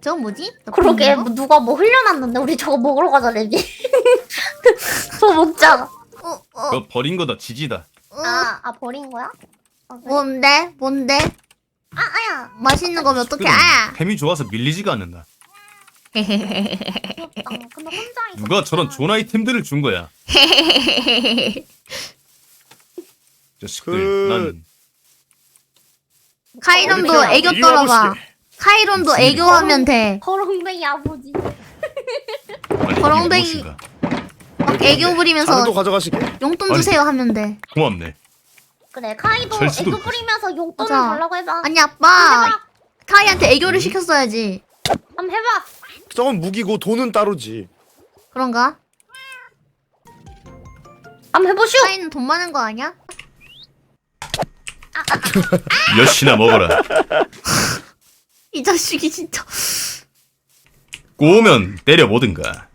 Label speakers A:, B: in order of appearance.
A: 저거 뭐지?
B: 그러게 뭐 누가 뭐 흘려놨는데 우리 저거 먹으러 가자 레비. 저거 먹자.
C: 그거 버린 거다. 지지다.
B: 아 버린 거야?
A: 뭔데? 뭔데?
B: 아야.
A: 맛있는 거면 어떡해?
C: 그럼
A: 아!
C: 템이 좋아서 밀리지가 않는다.
B: 귀엽다. 근데 혼자 있어.
C: 누가 저런 좋은 아이템들을 준 거야. 자식들. 난
A: 카이론도 애교 떨어봐. 카이론도
C: 무슨
A: 애교하면 돼.
B: 거렁뱅이 아버지.
C: 아니, 이게
A: 거렁뱅이.
C: 무엇인가?
A: 막 애교 부리면서
D: 자료도 가져가시게.
A: 용돈
C: 아니.
A: 주세요 하면 돼.
C: 고맙네.
B: 그래 카이도
C: 절수도
B: 애교 뿌리면서 용돈을
A: 맞아.
B: 달라고 해봐.
A: 아니 아빠
B: 해봐.
A: 카이한테 애교를 시켰어야지.
B: 한번 해봐.
D: 저건 무기고 돈은 따로지.
A: 그런가?
B: 한번 해보슈.
A: 카이는 돈 많은 거 아니야?
C: 몇이나 먹어라.
A: 이 자식이 진짜.
C: 꼬우면 때려보든가.